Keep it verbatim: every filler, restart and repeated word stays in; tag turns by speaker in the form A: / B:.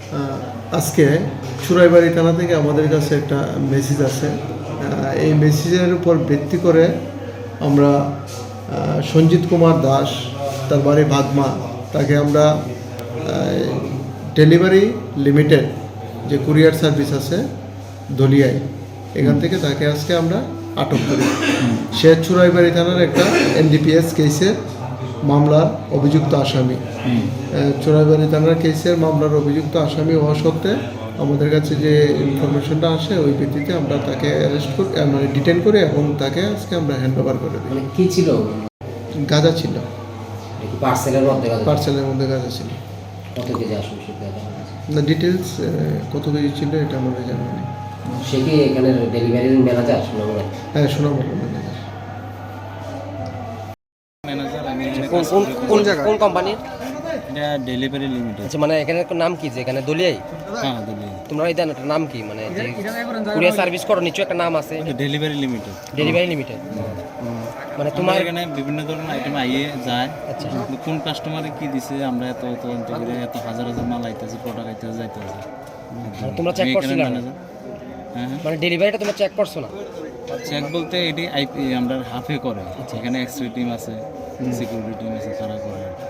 A: আজকে চুরাইবাড়ি থানা থেকে আমাদের কাছে একটা মেসেজ আছে। এই মেসেজের উপর ভিত্তি করে আমরা সঞ্জিত কুমার দাস, তার বাড়ি ভাগমা, তাকে আমরা ডেলিভারি লিমিটেড যে কুরিয়ার সার্ভিস আছে দলিয়ায়, এখান থেকে তাকে আজকে আমরা আটক করি। সে চুরাইবাড়ি থানার একটা এনডিপিএস কেসের মামলার অভিযুক্ত আসামি। চোরাইবাড়ি থানার কেসের মামলার অভিযুক্ত আসামি হওয়া সত্ত্বে আমাদের কাছে যে ইনফরমেশনটা আসে ওই ভিত্তিতে আমরা তাকে অ্যারেস্ট করি, মানে ডিটেন করি এবং তাকে আজকে আমরা হ্যান্ড ওভার করে দিই।
B: কি ছিল?
A: গাঁজা ছিল,
B: পার্সেলের মধ্যে
A: পার্সেলের মধ্যে গাঁজা ছিল।
B: কত কেজি আসবে সেটা
A: না, ডিটেলস কত কেজি ছিল এটা আমাদের জানা নেই।
B: সে কি এখানে ডেলিভারির ম্যানেজার? শোনাবো।
A: হ্যাঁ, শোনাবো ম্যানেজার।
B: কোন কোন কোন জায়গা, কোন কোম্পানির?
C: এটা ডেলিভারি লিমিটেড।
B: আচ্ছা, মানে এখানে নাম কি, যে এখানে দলিয়াই?
C: হ্যাঁ, দলিয়াই।
B: তোমরা এই দেন নাম কি, মানে যে কুরিয়ার সার্ভিস করো নিশ্চয় একটা নাম আছে।
C: Delivery limited.
B: Delivery limited. মানে তোমার
C: এখানে বিভিন্ন ধরনের আইটেম আইয়ে যায়।
B: আচ্ছা,
C: কোন কাস্টমারে কি দিছে আমরা এত তদন্ত করে এত হাজার হাজার মাল আইতেছে, প্রোডাক্ট আইতেছে, যাইতেছে।
B: তোমরা চেক করছিলে না?
C: হ্যাঁ,
B: মানে ডেলিভারিটা তোমরা চেক করছো না?
C: চেক বলতে এটি আইপি আমরা হাফে করে। এখানে এক্সরে টিম আছে, সিকিউরিটি টিম আছে, তারা করে।